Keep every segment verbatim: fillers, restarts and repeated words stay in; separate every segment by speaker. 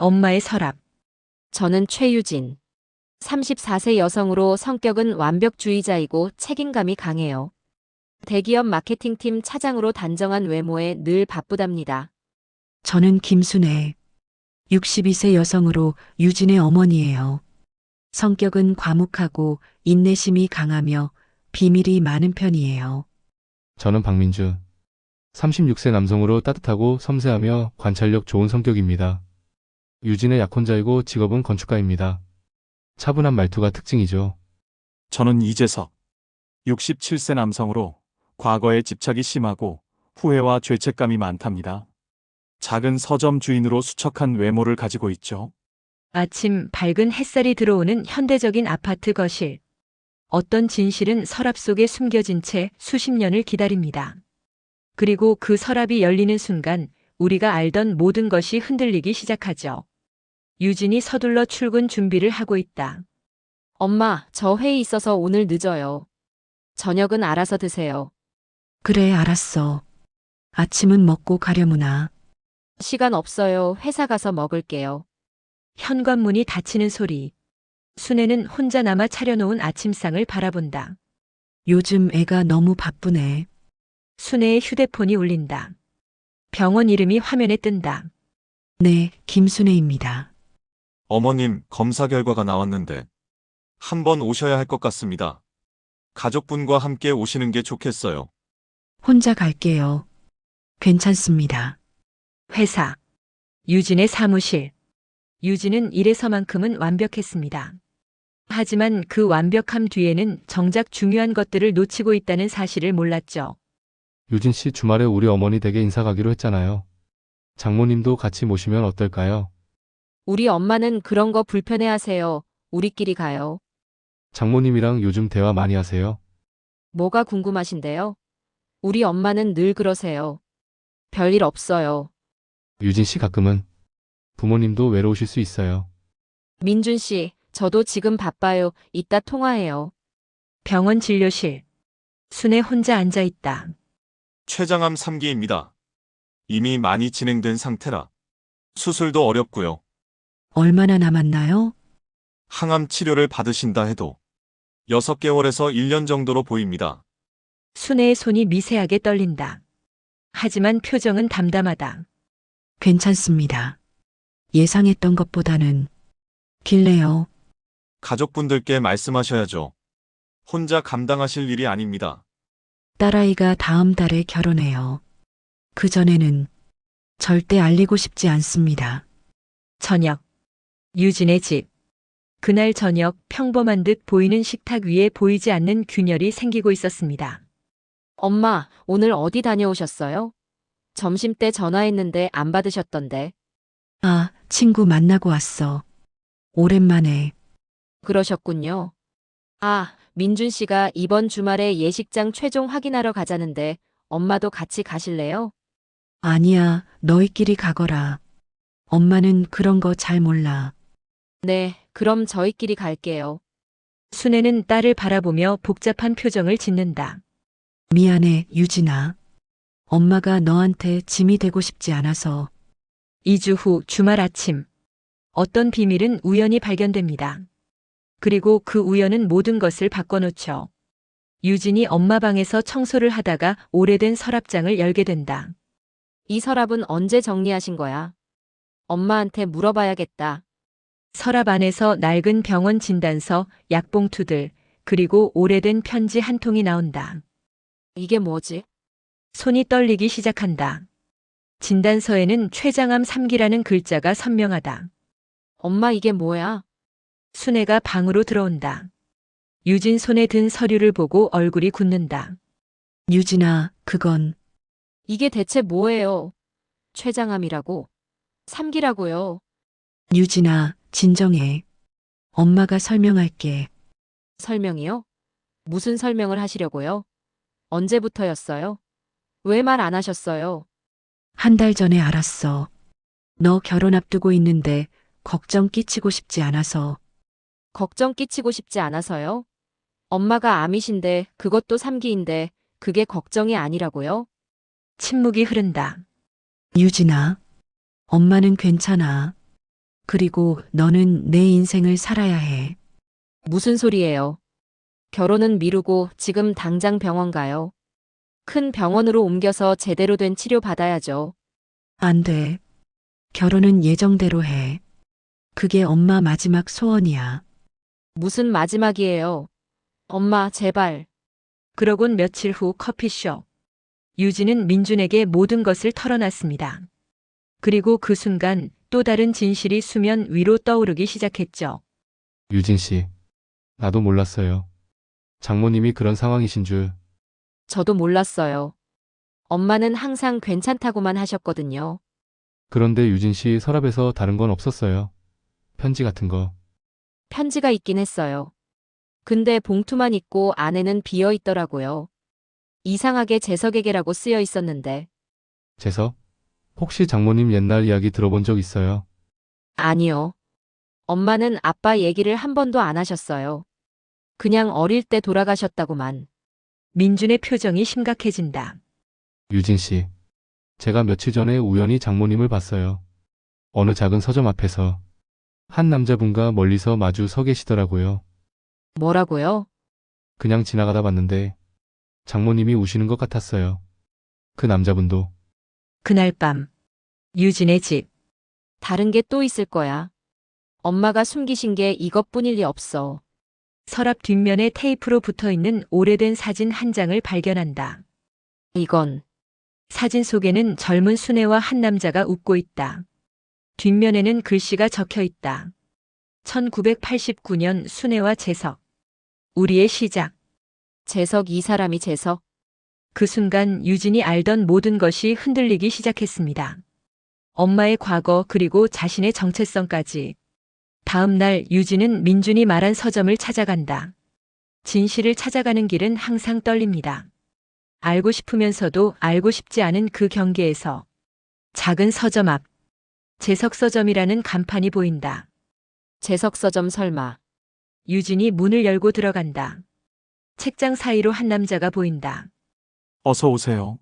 Speaker 1: 엄마의 서랍.
Speaker 2: 저는 최유진. 삼십사 세 여성으로 성격은 완벽주의자이고 책임감이 강해요. 대기업 마케팅팀 차장으로 단정한 외모에 늘 바쁘답니다.
Speaker 3: 저는 김순애. 육십이 세 여성으로 유진의 어머니예요. 성격은 과묵하고 인내심이 강하며 비밀이 많은 편이에요.
Speaker 4: 저는 박민주. 삼십육 세 남성으로 따뜻하고 섬세하며 관찰력 좋은 성격입니다. 유진의 약혼자이고 직업은 건축가입니다. 차분한 말투가 특징이죠.
Speaker 5: 저는 이재석. 육십칠 세 남성으로 과거에 집착이 심하고 후회와 죄책감이 많답니다. 작은 서점 주인으로 수척한 외모를 가지고 있죠.
Speaker 1: 아침 밝은 햇살이 들어오는 현대적인 아파트 거실. 어떤 진실은 서랍 속에 숨겨진 채 수십 년을 기다립니다. 그리고 그 서랍이 열리는 순간 우리가 알던 모든 것이 흔들리기 시작하죠. 유진이 서둘러 출근 준비를 하고 있다.
Speaker 2: 엄마, 저 회의 있어서 오늘 늦어요. 저녁은 알아서 드세요.
Speaker 3: 그래, 알았어. 아침은 먹고 가려무나.
Speaker 2: 시간 없어요. 회사 가서 먹을게요.
Speaker 1: 현관문이 닫히는 소리. 순애는 혼자 남아 차려놓은 아침상을 바라본다.
Speaker 3: 요즘 애가 너무 바쁘네.
Speaker 1: 순애의 휴대폰이 울린다. 병원 이름이 화면에 뜬다.
Speaker 3: 네, 김순애입니다.
Speaker 6: 어머님, 검사 결과가 나왔는데 한번 오셔야 할 것 같습니다. 가족분과 함께 오시는 게 좋겠어요.
Speaker 3: 혼자 갈게요. 괜찮습니다.
Speaker 1: 회사. 유진의 사무실. 유진은 일에서만큼은 완벽했습니다. 하지만 그 완벽함 뒤에는 정작 중요한 것들을 놓치고 있다는 사실을 몰랐죠.
Speaker 4: 유진 씨 주말에 우리 어머니 댁에 인사 가기로 했잖아요. 장모님도 같이 모시면 어떨까요?
Speaker 2: 우리 엄마는 그런 거 불편해하세요. 우리끼리 가요.
Speaker 4: 장모님이랑 요즘 대화 많이 하세요?
Speaker 2: 뭐가 궁금하신데요? 우리 엄마는 늘 그러세요. 별일 없어요.
Speaker 4: 유진 씨 가끔은 부모님도 외로우실 수 있어요.
Speaker 2: 민준 씨, 저도 지금 바빠요. 이따 통화해요.
Speaker 1: 병원 진료실. 순애 혼자 앉아 있다.
Speaker 6: 췌장암 삼 기입니다. 이미 많이 진행된 상태라 수술도 어렵고요.
Speaker 3: 얼마나 남았나요?
Speaker 6: 항암 치료를 받으신다 해도 여섯 개월에서 일 년 정도로 보입니다.
Speaker 1: 순애의 손이 미세하게 떨린다. 하지만 표정은 담담하다.
Speaker 3: 괜찮습니다. 예상했던 것보다는 길래요.
Speaker 6: 가족분들께 말씀하셔야죠. 혼자 감당하실 일이 아닙니다.
Speaker 3: 딸아이가 다음 달에 결혼해요. 그전에는 절대 알리고 싶지 않습니다.
Speaker 1: 저녁. 유진의 집. 그날 저녁 평범한 듯 보이는 식탁 위에 보이지 않는 균열이 생기고 있었습니다.
Speaker 2: 엄마, 오늘 어디 다녀오셨어요? 점심 때 전화했는데 안 받으셨던데.
Speaker 3: 아, 친구 만나고 왔어. 오랜만에.
Speaker 2: 그러셨군요. 아, 민준 씨가 이번 주말에 예식장 최종 확인하러 가자는데 엄마도 같이 가실래요?
Speaker 3: 아니야, 너희끼리 가거라. 엄마는 그런 거 잘 몰라.
Speaker 2: 네, 그럼 저희끼리 갈게요.
Speaker 1: 순애는 딸을 바라보며 복잡한 표정을 짓는다.
Speaker 3: 미안해, 유진아. 엄마가 너한테 짐이 되고 싶지 않아서.
Speaker 1: 이 주 후 주말 아침. 어떤 비밀은 우연히 발견됩니다. 그리고 그 우연은 모든 것을 바꿔놓죠. 유진이 엄마 방에서 청소를 하다가 오래된 서랍장을 열게 된다.
Speaker 2: 이 서랍은 언제 정리하신 거야? 엄마한테 물어봐야겠다.
Speaker 1: 서랍 안에서 낡은 병원 진단서, 약봉투들, 그리고 오래된 편지 한 통이 나온다.
Speaker 2: 이게 뭐지?
Speaker 1: 손이 떨리기 시작한다. 진단서에는 췌장암 삼 기라는 글자가 선명하다.
Speaker 2: 엄마 이게 뭐야?
Speaker 1: 순애가 방으로 들어온다. 유진 손에 든 서류를 보고 얼굴이 굳는다.
Speaker 3: 유진아, 그건
Speaker 2: 이게 대체 뭐예요? 췌장암이라고? 삼 기라고요.
Speaker 3: 유진아, 진정해. 엄마가 설명할게.
Speaker 2: 설명이요? 무슨 설명을 하시려고요? 언제부터였어요? 왜 말 안 하셨어요?
Speaker 3: 한 달 전에 알았어. 너 결혼 앞두고 있는데 걱정 끼치고 싶지 않아서.
Speaker 2: 걱정 끼치고 싶지 않아서요? 엄마가 암이신데 그것도 삼 기인데 그게 걱정이 아니라고요?
Speaker 1: 침묵이 흐른다.
Speaker 3: 유진아, 엄마는 괜찮아. 그리고 너는 내 인생을 살아야 해.
Speaker 2: 무슨 소리예요? 결혼은 미루고 지금 당장 병원 가요. 큰 병원으로 옮겨서 제대로 된 치료 받아야죠.
Speaker 3: 안 돼. 결혼은 예정대로 해. 그게 엄마 마지막 소원이야.
Speaker 2: 무슨 마지막이에요? 엄마, 제발.
Speaker 1: 그러곤 며칠 후 커피숍. 유진은 민준에게 모든 것을 털어놨습니다. 그리고 그 순간 또 다른 진실이 수면 위로 떠오르기 시작했죠.
Speaker 4: 유진 씨. 나도 몰랐어요. 장모님이 그런 상황이신 줄.
Speaker 2: 저도 몰랐어요. 엄마는 항상 괜찮다고만 하셨거든요.
Speaker 4: 그런데 유진 씨 서랍에서 다른 건 없었어요. 편지 같은 거.
Speaker 2: 편지가 있긴 했어요. 근데 봉투만 있고 안에는 비어 있더라고요. 이상하게 재석에게라고 쓰여 있었는데.
Speaker 4: 재석? 혹시 장모님 옛날 이야기 들어본 적 있어요?
Speaker 2: 아니요. 엄마는 아빠 얘기를 한 번도 안 하셨어요. 그냥 어릴 때 돌아가셨다고만.
Speaker 1: 민준의 표정이 심각해진다.
Speaker 4: 유진 씨. 제가 며칠 전에 우연히 장모님을 봤어요. 어느 작은 서점 앞에서 한 남자분과 멀리서 마주 서 계시더라고요.
Speaker 2: 뭐라고요?
Speaker 4: 그냥 지나가다 봤는데 장모님이 우시는 것 같았어요. 그 남자분도.
Speaker 1: 그날 밤 유진의 집.
Speaker 2: 다른 게 또 있을 거야. 엄마가 숨기신 게 이것뿐일 리 없어.
Speaker 1: 서랍 뒷면에 테이프로 붙어있는 오래된 사진 한 장을 발견한다.
Speaker 2: 이건
Speaker 1: 사진 속에는 젊은 수네와 한 남자가 웃고 있다. 뒷면에는 글씨가 적혀 있다. 천구백팔십구 년 수네와 재석. 우리의 시작.
Speaker 2: 재석 이 사람이 재석.
Speaker 1: 그 순간 유진이 알던 모든 것이 흔들리기 시작했습니다. 엄마의 과거 그리고 자신의 정체성까지. 다음 날 유진은 민준이 말한 서점을 찾아간다. 진실을 찾아가는 길은 항상 떨립니다. 알고 싶으면서도 알고 싶지 않은 그 경계에서 작은 서점 앞 재석 서점이라는 간판이 보인다.
Speaker 2: 재석 서점 설마.
Speaker 1: 유진이 문을 열고 들어간다. 책장 사이로 한 남자가 보인다.
Speaker 5: 어서 오세요.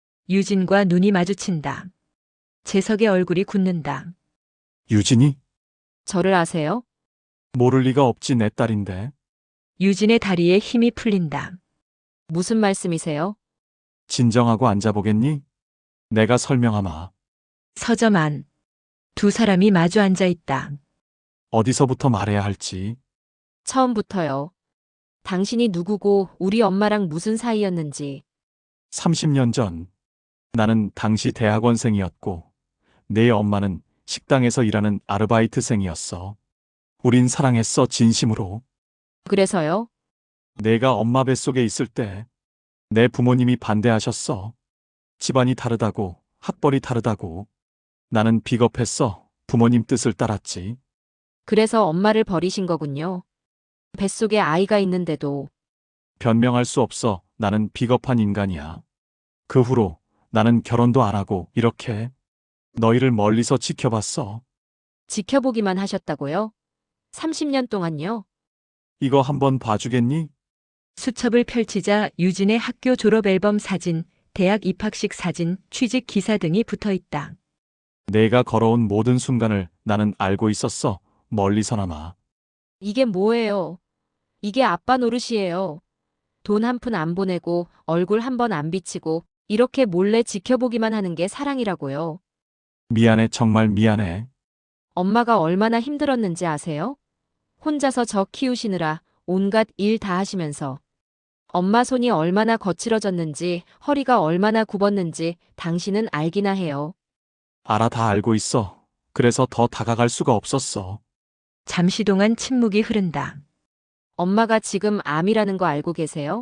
Speaker 1: 유진과 눈이 마주친다. 재석의 얼굴이 굳는다.
Speaker 5: 유진이?
Speaker 2: 저를 아세요?
Speaker 5: 모를 리가 없지 내 딸인데.
Speaker 1: 유진의 다리에 힘이 풀린다.
Speaker 2: 무슨 말씀이세요?
Speaker 5: 진정하고 앉아보겠니? 내가 설명하마.
Speaker 1: 서점 안. 두 사람이 마주 앉아 있다.
Speaker 5: 어디서부터 말해야 할지.
Speaker 2: 처음부터요. 당신이 누구고 우리 엄마랑 무슨 사이였는지.
Speaker 5: 삼십 년 전 나는 당시 대학원생이었고 내 엄마는 식당에서 일하는 아르바이트생이었어. 우린 사랑했어 진심으로.
Speaker 2: 그래서요?
Speaker 5: 내가 엄마 뱃속에 있을 때 내 부모님이 반대하셨어. 집안이 다르다고, 학벌이 다르다고. 나는 비겁했어. 부모님 뜻을 따랐지.
Speaker 2: 그래서 엄마를 버리신 거군요. 뱃속에 아이가 있는데도.
Speaker 5: 변명할 수 없어. 나는 비겁한 인간이야. 그 후로 나는 결혼도 안 하고 이렇게 너희를 멀리서 지켜봤어.
Speaker 2: 지켜보기만 하셨다고요? 삼십 년 동안요?
Speaker 5: 이거 한번 봐주겠니?
Speaker 1: 수첩을 펼치자 유진의 학교 졸업 앨범 사진, 대학 입학식 사진, 취직 기사 등이 붙어 있다.
Speaker 5: 내가 걸어온 모든 순간을 나는 알고 있었어. 멀리서나마.
Speaker 2: 이게 뭐예요? 이게 아빠 노릇이에요. 돈 한 푼 안 보내고 얼굴 한 번 안 비치고 이렇게 몰래 지켜보기만 하는 게 사랑이라고요.
Speaker 5: 미안해, 정말 미안해.
Speaker 2: 엄마가 얼마나 힘들었는지 아세요? 혼자서 저 키우시느라 온갖 일 다 하시면서. 엄마 손이 얼마나 거칠어졌는지, 허리가 얼마나 굽었는지 당신은 알기나 해요.
Speaker 5: 알아, 다 알고 있어. 그래서 더 다가갈 수가 없었어.
Speaker 1: 잠시 동안 침묵이 흐른다.
Speaker 2: 엄마가 지금 암이라는 거 알고 계세요?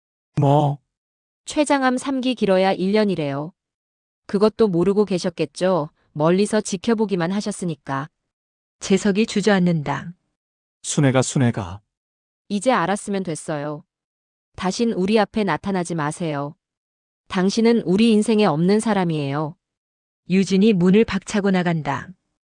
Speaker 5: 뭐?
Speaker 2: 췌장암 삼 기 길어야 일 년이래요. 그것도 모르고 계셨겠죠? 멀리서 지켜보기만 하셨으니까.
Speaker 1: 재석이 주저앉는다.
Speaker 5: 순애가 순애가.
Speaker 2: 이제 알았으면 됐어요. 다신 우리 앞에 나타나지 마세요. 당신은 우리 인생에 없는 사람이에요.
Speaker 1: 유진이 문을 박차고 나간다.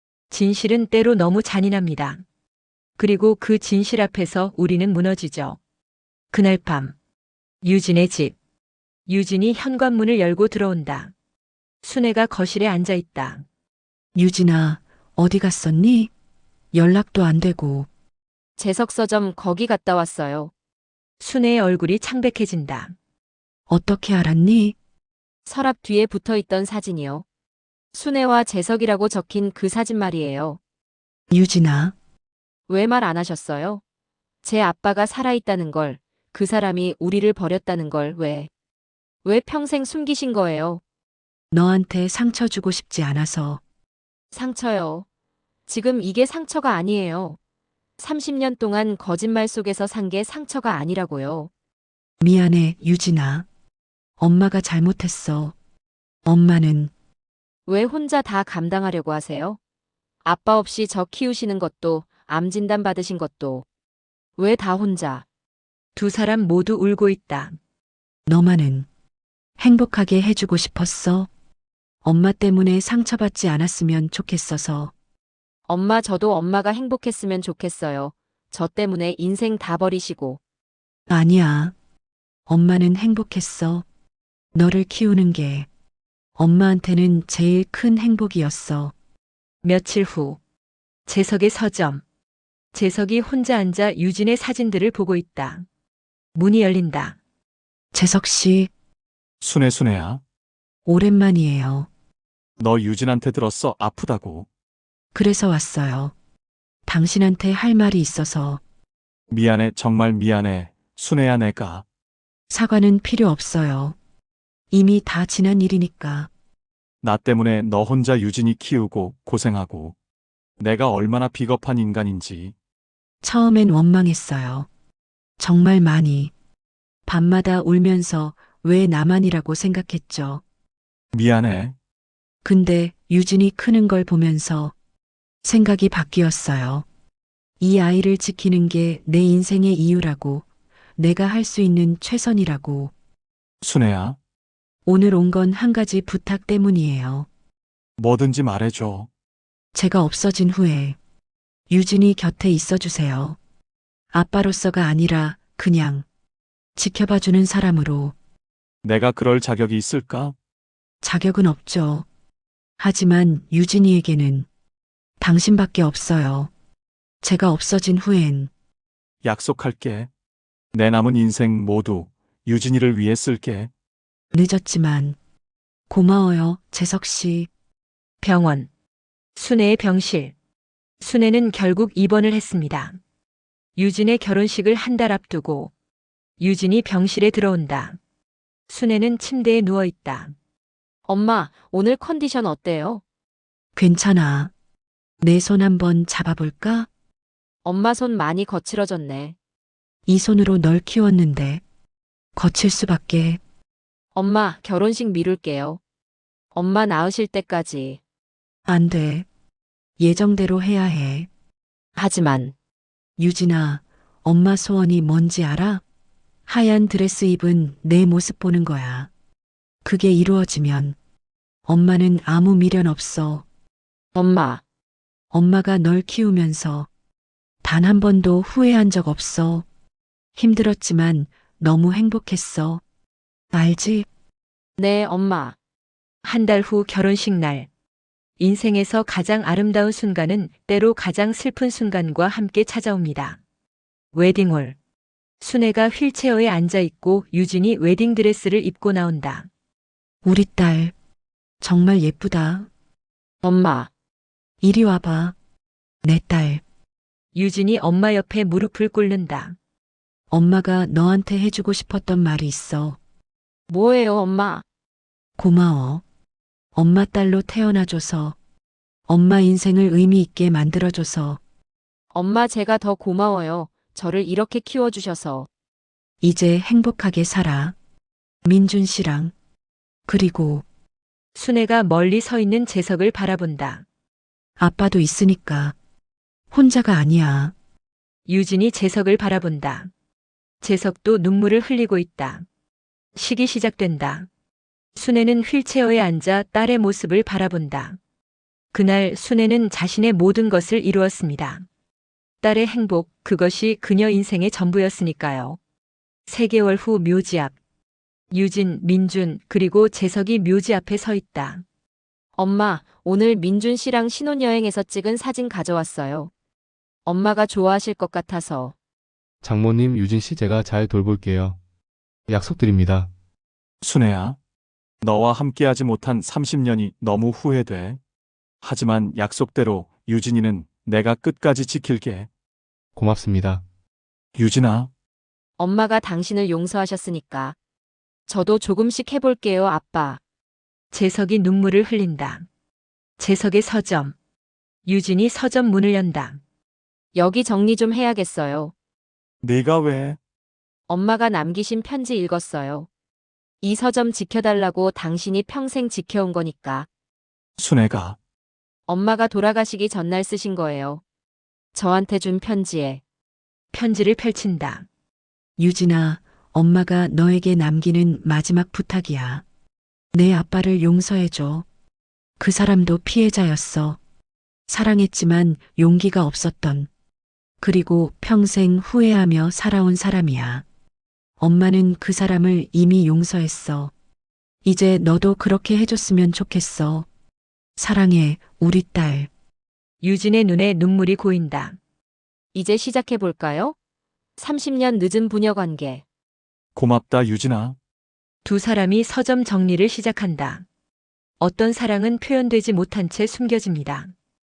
Speaker 1: 진실은 때로 너무 잔인합니다. 그리고 그 진실 앞에서 우리는 무너지죠. 그날 밤 유진의 집. 유진이 현관문을 열고 들어온다. 순애가 거실에 앉아 있다.
Speaker 3: 유진아, 어디 갔었니? 연락도 안 되고.
Speaker 2: 재석 서점 거기 갔다 왔어요.
Speaker 1: 순애의 얼굴이 창백해진다.
Speaker 3: 어떻게 알았니?
Speaker 2: 서랍 뒤에 붙어 있던 사진이요. 순애와 재석이라고 적힌 그 사진 말이에요.
Speaker 3: 유진아,
Speaker 2: 왜 말 안 하셨어요? 제 아빠가 살아있다는 걸, 그 사람이 우리를 버렸다는 걸 왜, 왜 평생 숨기신 거예요?
Speaker 3: 너한테 상처 주고 싶지 않아서.
Speaker 2: 상처요. 지금 이게 상처가 아니에요. 삼십 년 동안 거짓말 속에서 산 게 상처가 아니라고요.
Speaker 3: 미안해, 유진아. 엄마가 잘못했어. 엄마는
Speaker 2: 왜 혼자 다 감당하려고 하세요? 아빠 없이 저 키우시는 것도, 암 진단 받으신 것도. 왜 다 혼자?
Speaker 1: 두 사람 모두 울고 있다.
Speaker 3: 너만은 행복하게 해주고 싶었어. 엄마 때문에 상처받지 않았으면 좋겠어서.
Speaker 2: 엄마 저도 엄마가 행복했으면 좋겠어요. 저 때문에 인생 다 버리시고.
Speaker 3: 아니야. 엄마는 행복했어. 너를 키우는 게 엄마한테는 제일 큰 행복이었어.
Speaker 1: 며칠 후 재석의 서점. 재석이 혼자 앉아 유진의 사진들을 보고 있다. 문이 열린다.
Speaker 3: 재석 씨,
Speaker 5: 순애 순애야.
Speaker 3: 오랜만이에요.
Speaker 5: 너 유진한테 들었어. 아프다고.
Speaker 3: 그래서 왔어요. 당신한테 할 말이 있어서.
Speaker 5: 미안해. 정말 미안해. 순애야 내가.
Speaker 3: 사과는 필요 없어요. 이미 다 지난 일이니까.
Speaker 5: 나 때문에 너 혼자 유진이 키우고 고생하고. 내가 얼마나 비겁한 인간인지.
Speaker 3: 처음엔 원망했어요. 정말 많이. 밤마다 울면서 왜 나만이라고 생각했죠.
Speaker 5: 미안해.
Speaker 3: 근데 유진이 크는 걸 보면서 생각이 바뀌었어요. 이 아이를 지키는 게 내 인생의 이유라고, 내가 할 수 있는 최선이라고.
Speaker 5: 순애야.
Speaker 3: 오늘 온 건 한 가지 부탁 때문이에요.
Speaker 5: 뭐든지 말해줘.
Speaker 3: 제가 없어진 후에 유진이 곁에 있어 주세요. 아빠로서가 아니라 그냥 지켜봐주는 사람으로.
Speaker 5: 내가 그럴 자격이 있을까?
Speaker 3: 자격은 없죠. 하지만 유진이에게는 당신밖에 없어요. 제가 없어진 후엔
Speaker 5: 약속할게. 내 남은 인생 모두 유진이를 위해 쓸게.
Speaker 3: 늦었지만 고마워요, 재석 씨.
Speaker 1: 병원. 순애의 병실. 순애는 결국 입원을 했습니다. 유진의 결혼식을 한 달 앞두고 유진이 병실에 들어온다. 순애는 침대에 누워 있다.
Speaker 2: 엄마, 오늘 컨디션 어때요?
Speaker 3: 괜찮아. 내 손 한번 잡아볼까?
Speaker 2: 엄마 손 많이 거칠어졌네.
Speaker 3: 이 손으로 널 키웠는데 거칠 수밖에.
Speaker 2: 엄마, 결혼식 미룰게요. 엄마 나으실 때까지.
Speaker 3: 안 돼. 예정대로 해야 해.
Speaker 2: 하지만,
Speaker 3: 유진아, 엄마 소원이 뭔지 알아? 하얀 드레스 입은 내 모습 보는 거야. 그게 이루어지면 엄마는 아무 미련 없어.
Speaker 2: 엄마,
Speaker 3: 엄마가 널 키우면서 단 한 번도 후회한 적 없어. 힘들었지만 너무 행복했어. 알지?
Speaker 2: 네, 엄마.
Speaker 1: 한 달 후 결혼식 날. 인생에서 가장 아름다운 순간은 때로 가장 슬픈 순간과 함께 찾아옵니다. 웨딩홀. 순애가 휠체어에 앉아 있고 유진이 웨딩드레스를 입고 나온다.
Speaker 3: 우리 딸, 정말 예쁘다.
Speaker 2: 엄마,
Speaker 3: 이리 와봐. 내 딸,
Speaker 1: 유진이 엄마 옆에 무릎을 꿇는다.
Speaker 3: 엄마가 너한테 해주고 싶었던 말이 있어.
Speaker 2: 뭐예요, 엄마?
Speaker 3: 고마워. 엄마 딸로 태어나줘서, 엄마 인생을 의미 있게 만들어줘서,
Speaker 2: 엄마 제가 더 고마워요. 저를 이렇게 키워주셔서.
Speaker 3: 이제 행복하게 살아. 민준 씨랑. 그리고
Speaker 1: 순애가 멀리 서 있는 재석을 바라본다.
Speaker 3: 아빠도 있으니까. 혼자가 아니야.
Speaker 1: 유진이 재석을 바라본다. 재석도 눈물을 흘리고 있다. 식이 시작된다. 순애는 휠체어에 앉아 딸의 모습을 바라본다. 그날 순애는 자신의 모든 것을 이루었습니다. 딸의 행복, 그것이 그녀 인생의 전부였으니까요. 세 개월 후 묘지 앞. 유진, 민준, 그리고 재석이 묘지 앞에 서 있다.
Speaker 2: 엄마, 오늘 민준 씨랑 신혼여행에서 찍은 사진 가져왔어요. 엄마가 좋아하실 것 같아서.
Speaker 4: 장모님, 유진 씨 제가 잘 돌볼게요. 약속드립니다.
Speaker 5: 순애야, 너와 함께하지 못한 삼십 년이 너무 후회돼. 하지만 약속대로 유진이는 내가 끝까지 지킬게.
Speaker 4: 고맙습니다.
Speaker 5: 유진아,
Speaker 2: 엄마가 당신을 용서하셨으니까. 저도 조금씩 해볼게요, 아빠.
Speaker 1: 재석이 눈물을 흘린다. 재석의 서점. 유진이 서점 문을 연다.
Speaker 2: 여기 정리 좀 해야겠어요.
Speaker 5: 네가 왜?
Speaker 2: 엄마가 남기신 편지 읽었어요. 이 서점 지켜달라고 당신이 평생 지켜온 거니까.
Speaker 5: 순애가
Speaker 2: 엄마가 돌아가시기 전날 쓰신 거예요. 저한테 준 편지에.
Speaker 1: 편지를 펼친다.
Speaker 3: 유진아, 엄마가 너에게 남기는 마지막 부탁이야. 내 아빠를 용서해줘. 그 사람도 피해자였어. 사랑했지만 용기가 없었던. 그리고 평생 후회하며 살아온 사람이야. 엄마는 그 사람을 이미 용서했어. 이제 너도 그렇게 해줬으면 좋겠어. 사랑해, 우리 딸.
Speaker 1: 유진의 눈에 눈물이 고인다.
Speaker 2: 이제 시작해볼까요? 삼십 년 늦은 부녀 관계.
Speaker 5: 고맙다, 유진아.
Speaker 1: 두 사람이 서점 정리를 시작한다. 어떤 사랑은 표현되지 못한 채 숨겨집니다.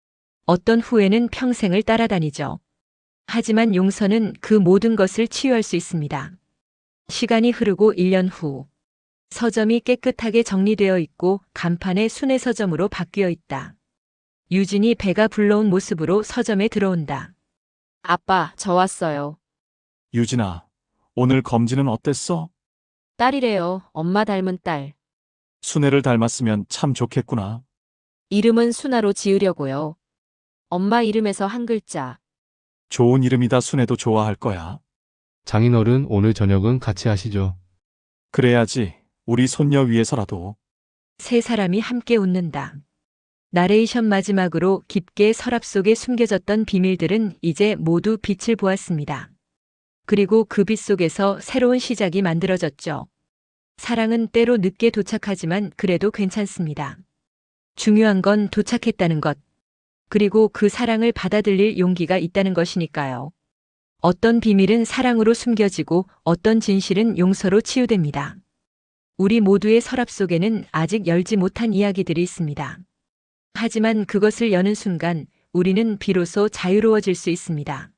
Speaker 1: 어떤 후회는 평생을 따라다니죠. 하지만 용서는 그 모든 것을 치유할 수 있습니다. 시간이 흐르고 일 년 후. 서점이 깨끗하게 정리되어 있고 간판에 순회 서점으로 바뀌어 있다. 유진이 배가 불러온 모습으로 서점에 들어온다.
Speaker 2: 아빠, 저 왔어요.
Speaker 5: 유진아, 오늘 검진은 어땠어?
Speaker 2: 딸이래요. 엄마 닮은 딸.
Speaker 5: 순애를 닮았으면 참 좋겠구나.
Speaker 2: 이름은 순아로 지으려고요. 엄마 이름에서 한 글자.
Speaker 5: 좋은 이름이다. 순애도 좋아할 거야.
Speaker 4: 장인어른, 오늘 저녁은 같이 하시죠.
Speaker 5: 그래야지. 우리 손녀 위해서라도.
Speaker 1: 세 사람이 함께 웃는다. 나레이션 마지막으로 깊게 서랍 속에 숨겨졌던 비밀들은 이제 모두 빛을 보았습니다. 그리고 그 빛 속에서 새로운 시작이 만들어졌죠. 사랑은 때로 늦게 도착하지만 그래도 괜찮습니다. 중요한 건 도착했다는 것. 그리고 그 사랑을 받아들일 용기가 있다는 것이니까요. 어떤 비밀은 사랑으로 숨겨지고 어떤 진실은 용서로 치유됩니다. 우리 모두의 서랍 속에는 아직 열지 못한 이야기들이 있습니다. 하지만 그것을 여는 순간 우리는 비로소 자유로워질 수 있습니다.